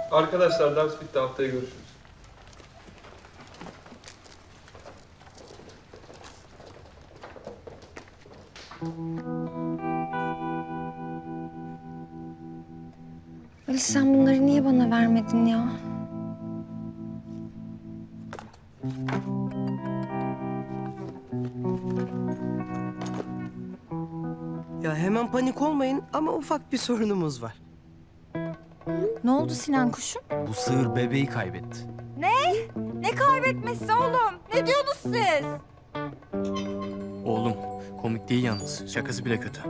Arkadaşlar ders bitti. Haftaya görüşürüz. Ali sen bunları niye bana vermedin ya? Ya hemen panik olmayın ama ufak bir sorunumuz var. Ne oldu Sinan kuşum? Bu sığır bebeği kaybetti. Ne kaybetmesi oğlum? Ne diyorsunuz siz? Oğlum komik değil yalnız. Şakası bile kötü.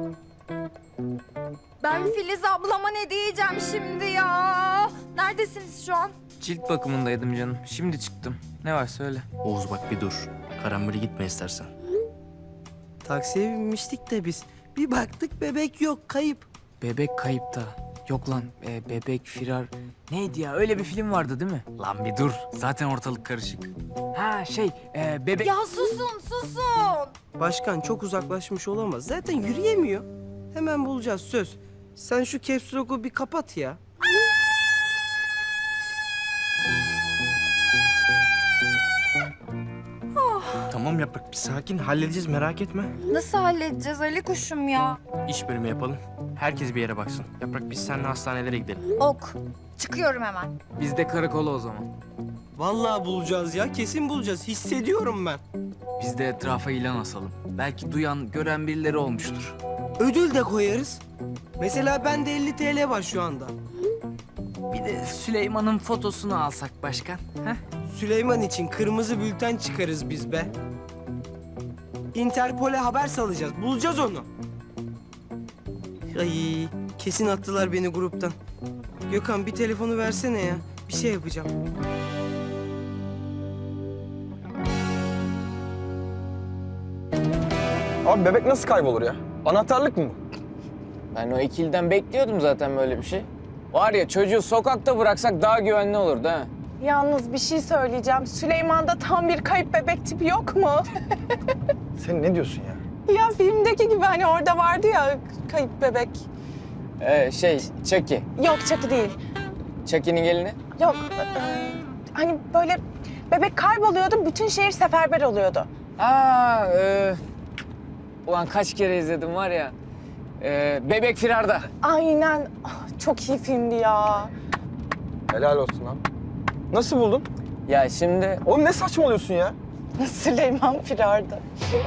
Ben Filiz ablama ne diyeceğim şimdi ya? Neredesiniz şu an? Cilt bakımındaydım canım. Şimdi çıktım. Ne var söyle. Oğuz bak bir dur. Karambole gitme istersen. Taksiye binmiştik de biz. Bir baktık bebek yok, kayıp. Bebek kayıpta. Yok lan bebek firar. Neydi ya öyle bir film vardı değil mi? Lan bir dur. Zaten ortalık karışık. Ha bebek. Ya susun. Başkan çok uzaklaşmış olamaz. Zaten yürüyemiyor. Hemen bulacağız söz. Sen şu caps lock'u bir kapat ya. Tamam Yaprak bir sakin. Halledeceğiz merak etme. Nasıl halledeceğiz Ali kuşum ya? İş bölümü yapalım. Herkes bir yere baksın. Yaprak biz seninle hastanelere gidelim. Ok. Çıkıyorum hemen. Biz de karakola o zaman. Vallahi bulacağız ya, kesin bulacağız. Hissediyorum ben. Biz de etrafa ilan asalım. Belki duyan, gören birileri olmuştur. Ödül de koyarız. Mesela bende 50 TL var şu anda. Bir de Süleyman'ın fotosunu alsak başkan. Heh. Süleyman için kırmızı bülten çıkarız biz be. Interpol'e haber salacağız. Bulacağız onu. Ay kesin attılar beni gruptan. Gökhan bir telefonu versene ya. Bir şey yapacağım. Abi bebek nasıl kaybolur ya? Anahtarlık mı bu? Ben o ikiliden bekliyordum zaten böyle bir şey. Var ya çocuğu sokakta bıraksak daha güvenli olurdu ha. Yalnız bir şey söyleyeceğim. Süleyman'da tam bir kayıp bebek tipi yok mu? Sen ne diyorsun ya? Ya filmdeki gibi hani orada vardı ya kayıp bebek. Chucky. Yok Chucky değil. Chucky'nin gelini. Yok hani böyle bebek kayboluyordu, bütün şehir seferber oluyordu. Ulan kaç kere izledim var ya. Bebek Firar'da. Aynen. Ah, çok iyi filmdi ya. Helal olsun lan. Nasıl buldun? Ya şimdi Oğlum ne saçmalıyorsun ya? Süleyman Firar'da.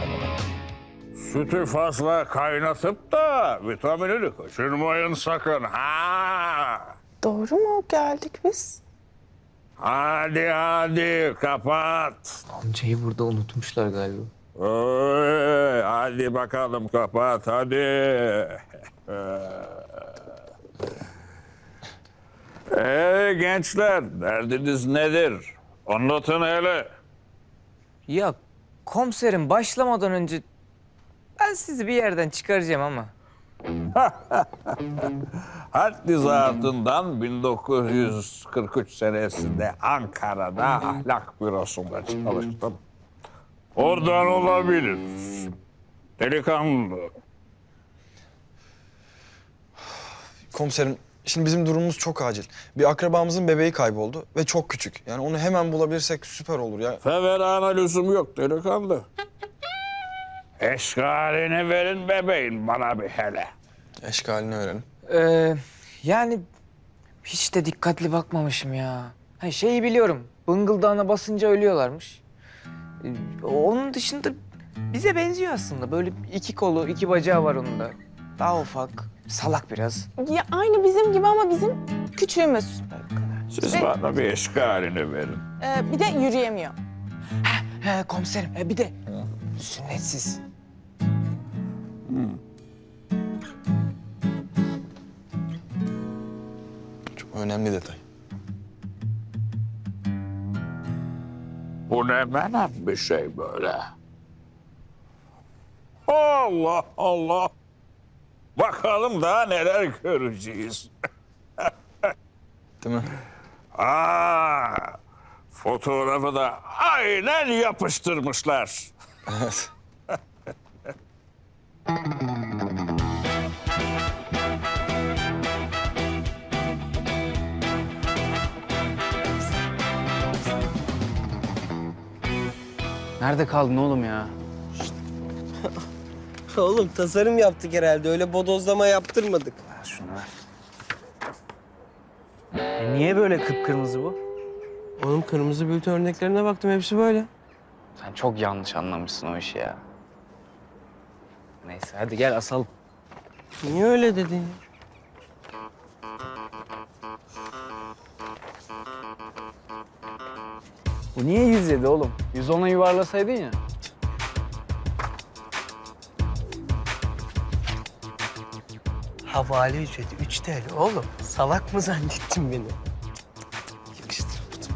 Sütü fazla kaynatıp da vitaminini kaçırmayın sakın. Ha! Doğru mu geldik biz? Hadi kapat. Amcayı burada unutmuşlar galiba. Hadi bakalım kapat hadi. Gençler derdiniz nedir? Anlatın hele. Ya komiserim başlamadan önce ben sizi bir yerden çıkaracağım ama. Haddi zatından 1943 senesinde Ankara'da ahlak bürosunda çalıştım. Oradan olabilir. Delikanlı. Komiserim, şimdi bizim durumumuz çok acil. Bir akrabamızın bebeği kayboldu ve çok küçük. Yani onu hemen bulabilirsek süper olur ya. Feverana lüzum yok delikanlı. Eşkalini verin bebeğin bana bir hele. Eşkalini öğrenin. Yani hiç de dikkatli bakmamışım ya. Ha, şeyi biliyorum. Bıngıldağına basınca ölüyorlarmış. Onun dışında bize benziyor aslında. Böyle iki kolu, iki bacağı var onun da. Daha ufak, salak biraz. Ya aynı bizim gibi ama bizim küçüğümüz. Siz bana bir eşkalini verin. Bir de yürüyemiyor. He komiserim, bir de sünnetsiz. Çok önemli detay. Bu ne menem bir şey böyle. Allah Allah. Bakalım daha neler göreceğiz. Değil mi? Fotoğrafı da aynen yapıştırmışlar. Evet. Nerede kaldın oğlum ya? Oğlum tasarım yaptık herhalde. Öyle bodozlama yaptırmadık. Ver şunu ver. Niye böyle kıpkırmızı bu? Oğlum kırmızı bülten örneklerine baktım. Hepsi böyle. Sen çok yanlış anlamışsın o işi ya. Neyse hadi gel asalım. Niye öyle dedin? Bu niye 107 oğlum? 110'a yuvarlasaydın ya. Havale ücreti 3 TL oğlum. Salak mı zannettin beni? Yakıştıramadım.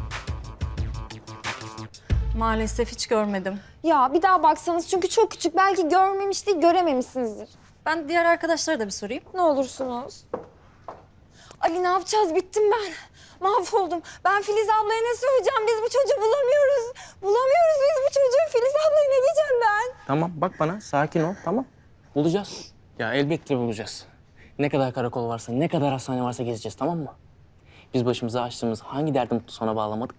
Maalesef hiç görmedim. Ya bir daha baksanız çünkü çok küçük. Belki görmemiş değil, görememişsinizdir. Ben diğer arkadaşlara da bir sorayım. Ne olursunuz. Ali ne yapacağız? Bittim ben. Mahvoldum. Ben Filiz ablaya ne söyleyeceğim? Biz bu çocuğu bulamıyoruz. Bulamıyoruz biz bu çocuğu. Filiz ablaya ne diyeceğim ben? Tamam bak bana sakin ol tamam. Bulacağız. Ya elbette bulacağız. Ne kadar karakol varsa, ne kadar hastane varsa gezeceğiz tamam mı? Biz başımıza açtığımız hangi derdi mutlu sona bağlamadık?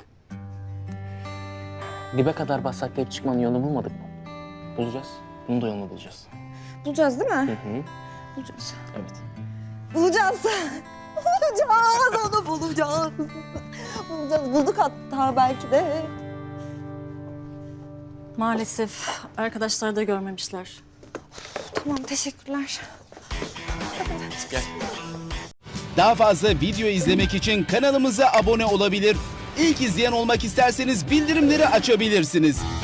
Dibe kadar bassak çıkmanın yolunu bulmadık mı? Bulacağız. Bunun da yolunu bulacağız. Bulacağız değil mi? Hı. Bulacağız. Evet. Bulacağız. Bulacağız. Onu bulacağız. Bulacağız. Bulduk hatta belki de. Maalesef arkadaşlar da görmemişler. Tamam teşekkürler. Daha fazla video izlemek için kanalımıza abone olabilir. İlk izleyen olmak isterseniz bildirimleri açabilirsiniz.